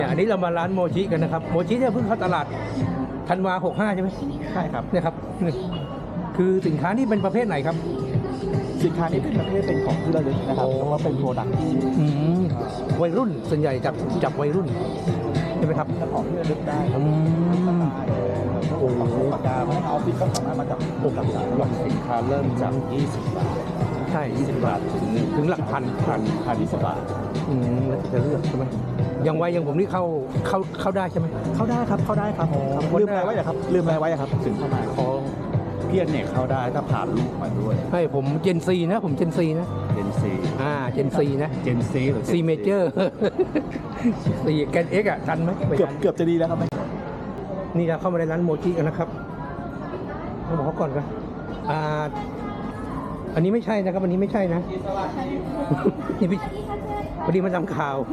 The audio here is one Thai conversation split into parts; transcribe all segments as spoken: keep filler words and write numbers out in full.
อันนี้เรามาร้านโมชิกันนะครับโมชิเนี่ยเพิ่งเข้าตลาดธันวาหกห้าใช่ไหมใช่ครับเนี่ยครับคือสินค้านี่เป็นประเภทไหนครับสินค้านี้เป็นประเภทเป็นของที่ระลึกนะครับแล้วก็เป็นโปรดักต์ที่วัยรุ่นส่วนใหญ่จับจับวัยรุ่นใช่ไหมครับเป็นของที่ระลึกได้ครับโอ้โหปากกาพนักงานออฟฟิศก็สามารถมาจับโปรดักต์ได้สินค้าเริ่มจากยี่สิบบาทใช่ยี่สิบบาทถึงถึงหลักพันพันพันยี่สิบบาทอืมแล้วจะเลือกใช่ไหมยังวัยยังผมนี่เข้าเข้าเข้าได้ใช่ไหมเข้าได้ครับเข้าได้ครับลืมอะไรไว้ครับลืมอะไรไว้ครับถึงเข้ามาของเพี้ยนเนี่ยเข้าได้ถ้าผ่านลูกมาด้วยให้ผมเจนซีนะผมเจนซีนะเจนซีอ่าเจนซีนะเจนซีหรือซีเมเจอร์ซีแกนเอ็กอะทันไหมเกือบเกือบจะดีแล้วครับนี่เราเข้ามาในร้านโมจิกันนะครับต้องบอกเขาก่อนกันอ่าอันนี้ไม่ใช่นะครับอันนี้ไม่ใช่นะนี่พี่พอดีมาทำข่าว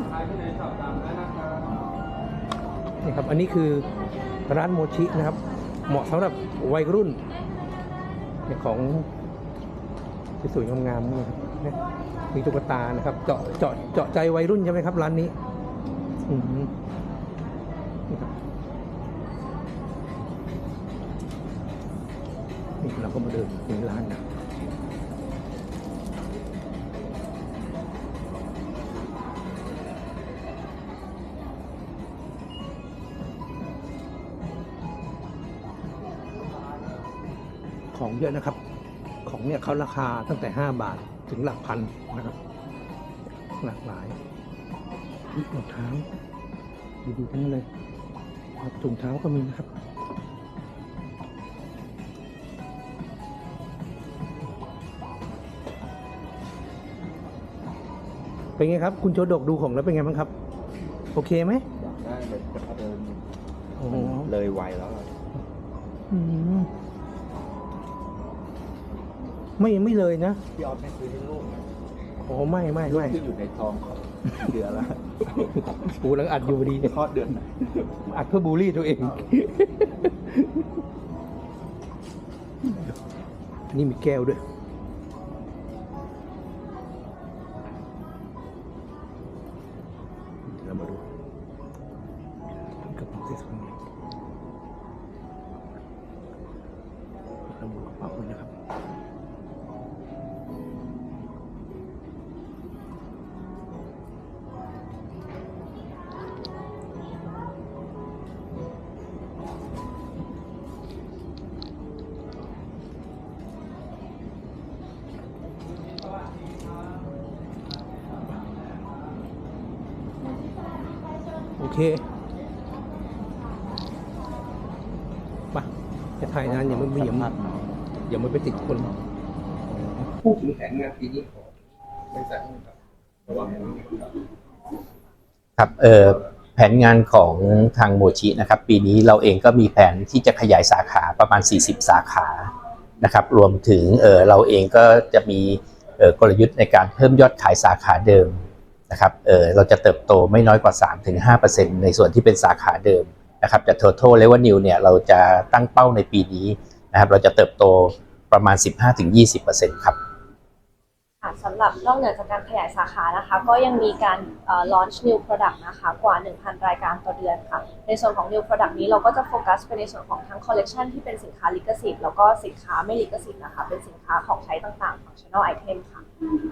นี่ครับอันนี้คือร้านโมชินะครับเหมาะสำหรับวัยรุ่นของสวยๆงามๆนี่นะมีตุ๊กตานะครับเจาะเจาะเจาะใจวัยรุ่นใช่ไหมครับร้านนี้อืมนี่เราก็มาเดินในร้านนะของเยอะนะครับของเนี่ยเขาราคาตั้งแต่ห้าบาทถึงหลักพันนะครับหลากหลายรองเท้าดีๆทั้งนั้นเลยครับถุงเท้าก็มีนะครับเป็นไงครับคุณโจดกดูของแล้วเป็นไงบ้างครับโอเคไหมได้เลยจะเดินโอ้โหเลยไวแล้วอืมไม่ไม่เลยนะพี่ออฟไม่ซื้อให้ลูกนะโอ้ไม่ไม่ไม่ที่อยู่ในท้องเขาเดือนละปูหลังอัดอยู่ดีคลอดเดือนไหนอัดเพื่อบูลลี่ตัวเองนี่มีแก้วด้วยเรามาดูกระเป๋าที่สองเราดูกระเป๋าเลยนะครับโอเคป่ะจะถ่ายนานอย่ามันอย่ามันอย่ามันไปติดคนพูดถึงแผนงานปีนี้ของบริษัทครับระวังครับเอ่อแผนงานของทางโมชินะครับปีนี้เราเองก็มีแผนที่จะขยายสาขาประมาณสี่สิบสาขานะครับรวมถึงเอ่อเราเองก็จะมีเอ่อกลยุทธ์ในการเพิ่มยอดขายสาขาเดิมนะครับเออเราจะเติบโตไม่น้อยกว่า สามถึงห้าเปอร์เซ็นต์ ในส่วนที่เป็นสาขาเดิมนะครับแต่ total revenue เนี่ยเราจะตั้งเป้าในปีนี้นะครับเราจะเติบโตประมาณ สิบห้าถึงยี่สิบเปอร์เซ็นต์ ครับสำหรับนอกเหนือจากการขยายสาขานะคะก็ยังมีการ launch new product นะคะกว่า หนึ่งพัน รายการต่อเดือนค่ะในส่วนของ new product นี้เราก็จะโฟกัสไปในส่วนของทั้ง collection ที่เป็นสินค้าลิขสิทธิ์แล้วก็สินค้าไม่ลิขสิทธิ์นะคะเป็นสินค้าของใช้ต่างๆ functional item ค่ะ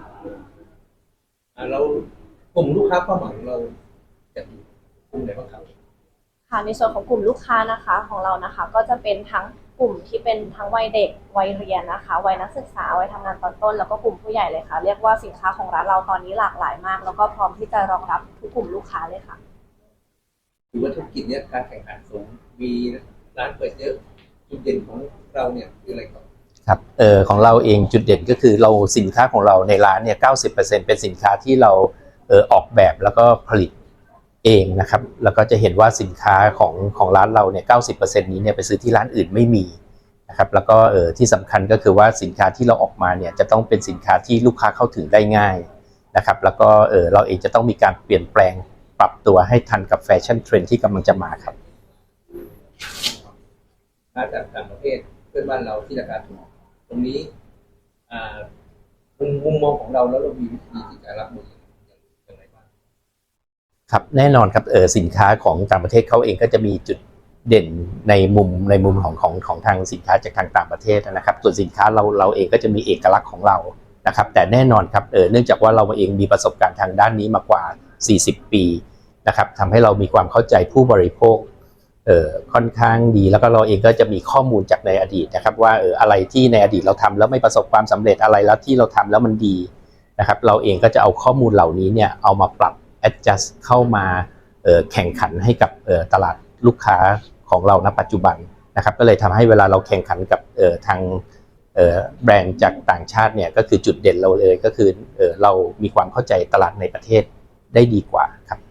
เรากลุ่มลูกค้าเป้าหมายของเราจะมีกลุ่มไหนบ้างครับค่ะในส่วนของกลุ่มลูกค้านะคะของเรานะคะก็จะเป็นทั้งกลุ่มที่เป็นทั้งวัยเด็กวัยเรียนนะคะวัยนักศึกษาวัยทำงานตอนต้นแล้วก็กลุ่มผู้ใหญ่เลยค่ะเรียกว่าสินค้าของร้านเราตอนนี้หลากหลายมากแล้วก็พร้อมที่จะรองรับทุกกลุ่มลูกค้าเลยค่ะถือว่าธุรกิจเนี้ยการแข่งขันสูงมีร้านเปิดเยอะจุดเด่นของเราเนี่ยคืออะไรครับครับเอ่อของเราเองจุดเด่นก็คือเราสินค้าของเราในร้านเนี่ย เก้าสิบเปอร์เซ็นต์ เป็นสินค้าที่เราเอ่อออกแบบแล้วก็ผลิตเองนะครับแล้วก็จะเห็นว่าสินค้าของของร้านเราเนี่ย เก้าสิบเปอร์เซ็นต์ นี้เนี่ยไปซื้อที่ร้านอื่นไม่มีนะครับแล้วก็เอ่อที่สำคัญก็คือว่าสินค้าที่เราออกมาเนี่ยจะต้องเป็นสินค้าที่ลูกค้าเข้าถึงได้ง่ายนะครับแล้วก็เอ่อเราเองจะต้องมีการเปลี่ยนแปลงปรับตัวให้ทันกับแฟชั่นเทรนด์ที่กำลังจะมาครับมาจากต่างประเทศเพื่อนบ้านเราที่ราคาถูกตรงนี้มุมมุมมองของเราแล้วเรามีวิธีที่จะรับมืออย่างไรบ้างครับแน่นอนครับเออสินค้าของต่างประเทศเขาเองก็จะมีจุดเด่นในมุมในมุมของของของทางสินค้าจากทางต่างประเทศนะครับส่วนสินค้าเราเราเองก็จะมีเอกลักษณ์ของเรานะครับแต่แน่นอนครับเออเนื่องจากว่าเราเองมีประสบการณ์ทางด้านนี้มากว่าสี่สิบปีนะครับทำให้เรามีความเข้าใจผู้บริโภคเออค่อนข้างดีแล้วก็เราเองก็จะมีข้อมูลจากในอดีตนะครับว่าเอออะไรที่ในอดีตเราทำแล้วไม่ประสบความสำเร็จอะไรแล้วที่เราทำแล้วมันดีนะครับเราเองก็จะเอาข้อมูลเหล่านี้เนี่ยเอามาปรับadjust เข้ามาแข่งขันให้กับตลาดลูกค้าของเราณปัจจุบันนะครับก็เลยทำให้เวลาเราแข่งขันกับทางแบรนด์จากต่างชาติเนี่ยก็คือจุดเด่นเราเลยก็คือเรามีความเข้าใจตลาดในประเทศได้ดีกว่าครับ